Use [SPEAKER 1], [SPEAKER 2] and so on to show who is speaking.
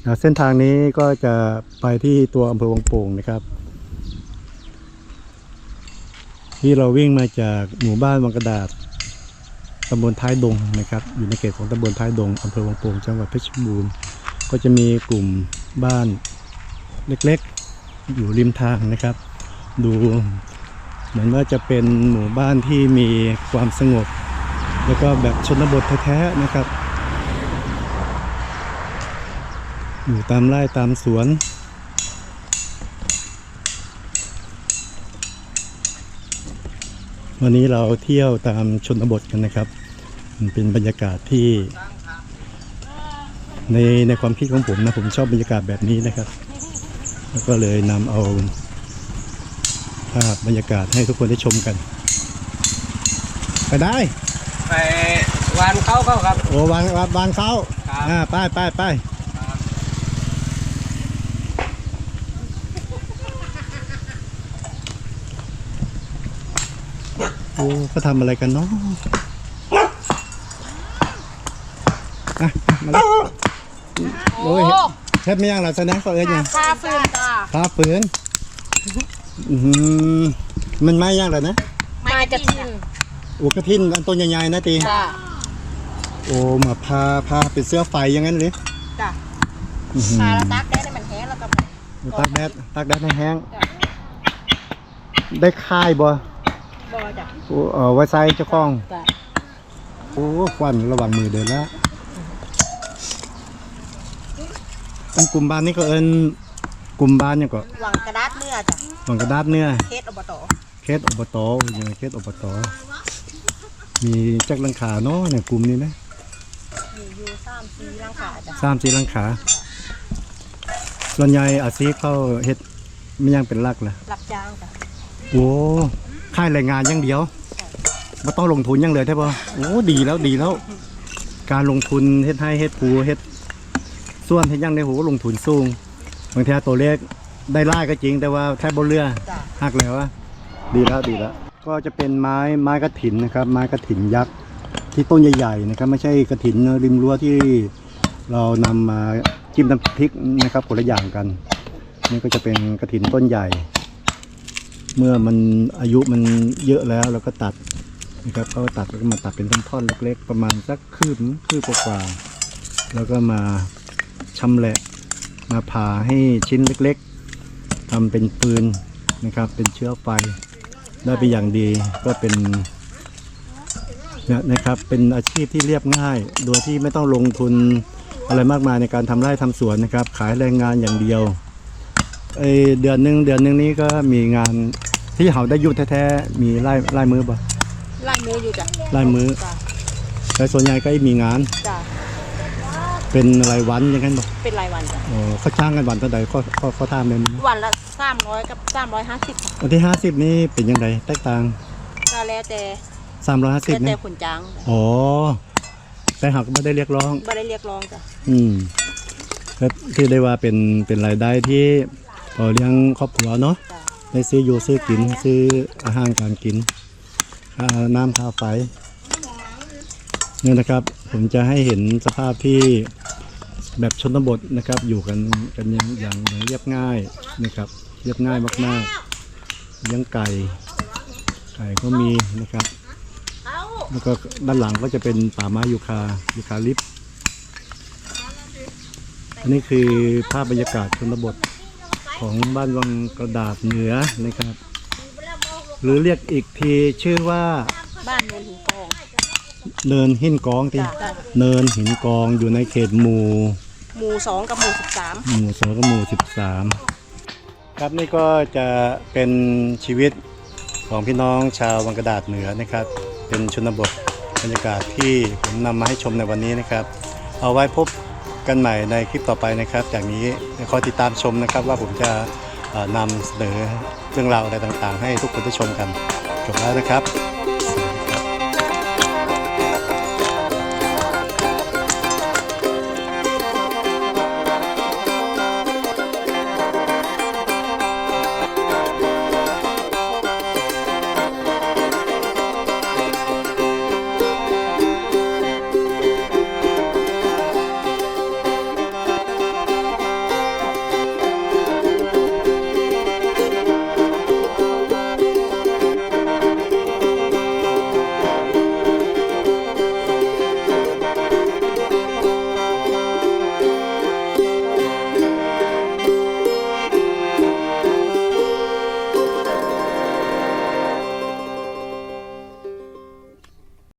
[SPEAKER 1] เส้นทางนี้ก็จะไปที่ตัวอำเภอวังโป่งนะครับที่เราวิ่งมาจากหมู่บ้านวังกระดาษตำบลท้ายดงนะครับอยู่ในเขตของตำบลท้ายดงอำเภอวังโป่งจังหวัดเพชรบูรณ์ก็จะมีกลุ่มบ้านเล็กๆอยู่ริมทางนะครับดูเหมือนว่าจะเป็นหมู่บ้านที่มีความสงบแล้วก็แบบชนบทแท้ๆนะครับอยู่ตามไร่ตามสวนวันนี้เราเที่ยวตามชนบทกันนะครับมันเป็นบรรยากาศที่ในความคิดของผมนะผมชอบบรรยากาศแบบนี้นะครับแล้วก็เลยนำเอาภาพบรรยากาศให้ทุกคนได้ชมกันไปได้
[SPEAKER 2] ไปวานเขาครับ
[SPEAKER 1] โอ้วานเขาไปโอ้เขาทำอะไรกันเนาะมาเลยโอ้ยเฮ็ดไม่ยังหรอแสดงก็เอ้ยยัง
[SPEAKER 3] พาฟืนจ้า
[SPEAKER 1] พาฝืนมันไม่ยังหรอนะ
[SPEAKER 3] ไม่กระทิน
[SPEAKER 1] โอ้กระทินอันต้นใหญ่ๆนะตีโอ้มาพาเป็นเสื้อไฟอย่างนั้นเลย
[SPEAKER 3] จ้ะพาแล้วตักแดดให้มันแห้งแล้วก็
[SPEAKER 1] ตักแดดให้แห้งได้ค่ายบ่
[SPEAKER 3] จ้ะ
[SPEAKER 1] โอ้ไว้ใส่เจ้าของโอ้ควันระวังมือเดินแล้วอันกลุ่มบ้านนี่ก็เอิ้นกลุ่มบ้านเนี่ยก็
[SPEAKER 3] วังกระดาษเนื้อจ้ะ
[SPEAKER 1] วังกระดาษเนื้อ
[SPEAKER 3] เขตอบต
[SPEAKER 1] อย่างเขตอบตมีจักรังขาเนาะเนี่ยกลุ่มนี้นะ
[SPEAKER 3] มีอยู่3-4รังขาจ้ะ
[SPEAKER 1] 3-4รังขาส่วนใหญ่อาชีพเขาเฮ็ดไม่ยังเป็นหลักล่ะ
[SPEAKER 3] รับจ้างจ้ะ
[SPEAKER 1] โอ้ค่ายแรงงานอย่างเดียวไม่ต้องลงทุนยังเลยใช่ป่ะโอ้ดีแล้วการลงทุนเฮ็ดให้เฮ็ดปูเฮ็ดส่วนเฮ็ดยังในหูลงทุนสูงบางทีตัวเลขได้ไล่ก็จริงแต่ว่าแทบบนเรือหักแล้ววะดีแล้วก็จะเป็นไม้กระถินนะครับไม้กระถินยักษ์ที่ต้นใหญ่ๆนะครับไม่ใช่กระถินริมรั้วที่เรานำมาจิ้มน้ำพริกนะครับคนละอย่างกันนี่ก็จะเป็นกระถินต้นใหญ่เมื่อมันอายุมันเยอะแล้วเราก็ตัดนะครับก็ตัดแล้วก็มาตัดเป็นท่อนๆเล็กๆประมาณสักคืบกว่าแล้วก็มาชำแหละมาผ่าให้ชิ้นเล็กๆทำเป็นปืนนะครับเป็นเชื้อไฟได้เป็นอย่างดีก็เป็นนะครับเป็นอาชีพที่เรียบง่ายโดยที่ไม่ต้องลงทุนอะไรมากมายในการทำไร่ทำสวนนะครับขายแรงงานอย่างเดียวเดือนหนึ่งนี้ก็มีงานที่เขาได้ยุดแท้ๆมีไล่มือป่ะ
[SPEAKER 3] ไล่มืออยู่จ้ะ
[SPEAKER 1] ไล่มือแต่ส่วนใหญ่ก็มีงาน
[SPEAKER 3] จ้ะ
[SPEAKER 1] เป็นรายวันอย่างนั้นป่ะ
[SPEAKER 3] เป็นรายวันจ้ะ
[SPEAKER 1] เขาจ้างกันวันเท่าไหร่เขาทำเป็น
[SPEAKER 3] วันละ300กับ350
[SPEAKER 1] วันที่50นี่เป็นยังไงแตกต่าง
[SPEAKER 3] ก็แล้วแต่
[SPEAKER 1] 350
[SPEAKER 3] นี่แต่คนจ้าง
[SPEAKER 1] อ๋อแต่หากไม่ได้เรียกร้อง
[SPEAKER 3] จ้ะ
[SPEAKER 1] ก็ที่ได้ว่าเป็นรายได้ที่เลี้ยงครอบครัวเนาะได้ซื้ออยู่ซื้อกินซื้ออาหารการกินค่าน้ำค่าไฟเนี่ยนะครับผมจะให้เห็นสภาพที่แบบชนบทนะครับอยู่กันอย่างเรียบง่ายนะครับเรียบง่ายมากๆเลี้ยงไก่ก็มีนะครับแล้วก็ด้านหลังก็จะเป็นป่าไม้ยูคาลิปอันนี้คือภาพบรรยากาศชนบทของบ้านวังกระดาษเหนือนะครับหรือเรียกอีกทีชื่อว่า
[SPEAKER 3] บ้านเนินหินกอง
[SPEAKER 1] เนินหินกองที่เนินหินกองอยู่ในเขตหมู่
[SPEAKER 3] 2กับหมู่13
[SPEAKER 1] หมู่2กับหมู่13ครับนี่ก็จะเป็นชีวิตของพี่น้องชาววังกระดาษเหนือนะครับเป็นชนบทบรรยากาศที่ผมนำมาให้ชมในวันนี้นะครับเอาไว้พบกันใหม่ในคลิปต่อไปนะครับจากนี้คอยติดตามชมนะครับว่าผมจะนำเสนอเรื่องราวอะไรต่างๆให้ทุกคนได้ชมกันจบแล้วนะครับ